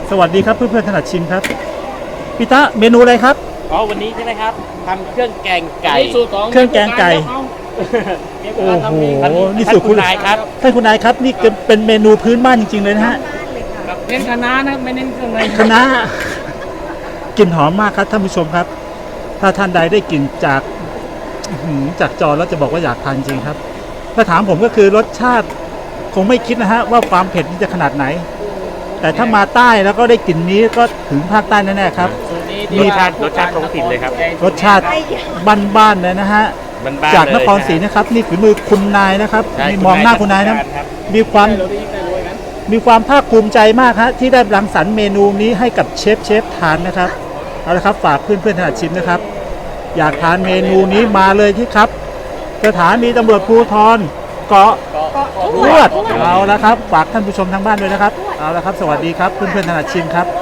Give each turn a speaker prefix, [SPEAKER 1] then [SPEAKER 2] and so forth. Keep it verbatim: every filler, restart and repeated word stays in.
[SPEAKER 1] สวัสดีครับเพื่อนเพื่อนถนัดชิมครับพี่ตะเมนูอะไรครับ
[SPEAKER 2] อ๋อวันนี้ใช่ไหมครับทำเครื่องแกงไก่
[SPEAKER 1] เครื่องแกงไก่โอ้โหนี่สูตรคุณนายครับท่านคุณนายครับนี่เป็นเมนูพื้นบ้านจริงๆเลยนะฮะ
[SPEAKER 3] เน้นคณะนะไม่เน้นเครื่องใน
[SPEAKER 1] คณะกลิ่นหอมมากครับท่านผู้ชมครับถ้าท่านใดได้กลิ่นจากจากจอแล้วจะบอกว่าอยากทานจริงครับถ้าถามผมก็คือรสชาติคงไม่คิดนะฮะว่าความเผ็ดจะขนาดไหนแต่ถ้ามาใต้แล้วก็ได้กลิ่นนี้ก็ถึงภาคใต้แน่ๆครับ
[SPEAKER 2] รสชาติรสชาติท้องถิ่นเลยครับ
[SPEAKER 1] รสชาติบ้านๆเลยนะฮะจากนครศรีนะครับนี่ฝีมือคุณนายนะครับมีมองหน้าคุณนายนะมีความมีความภาคภูมิใจมากฮะที่ได้รังสรรค์เมนูนี้ให้กับเชฟเชฟทานนะครับเอาละครับฝากเพื่อนเพื่อนถนัดชิมนะครับอยากทานเมนูนี้มาเลยที่ครับสถานีตำรวจภูธรเกาะลวดเอาละครับฝากท่านผู้ชมทางบ้านด้วยนะครับเอาละครับสวัสดีครับเพื่อนเพื่อนถนัดชิมครับ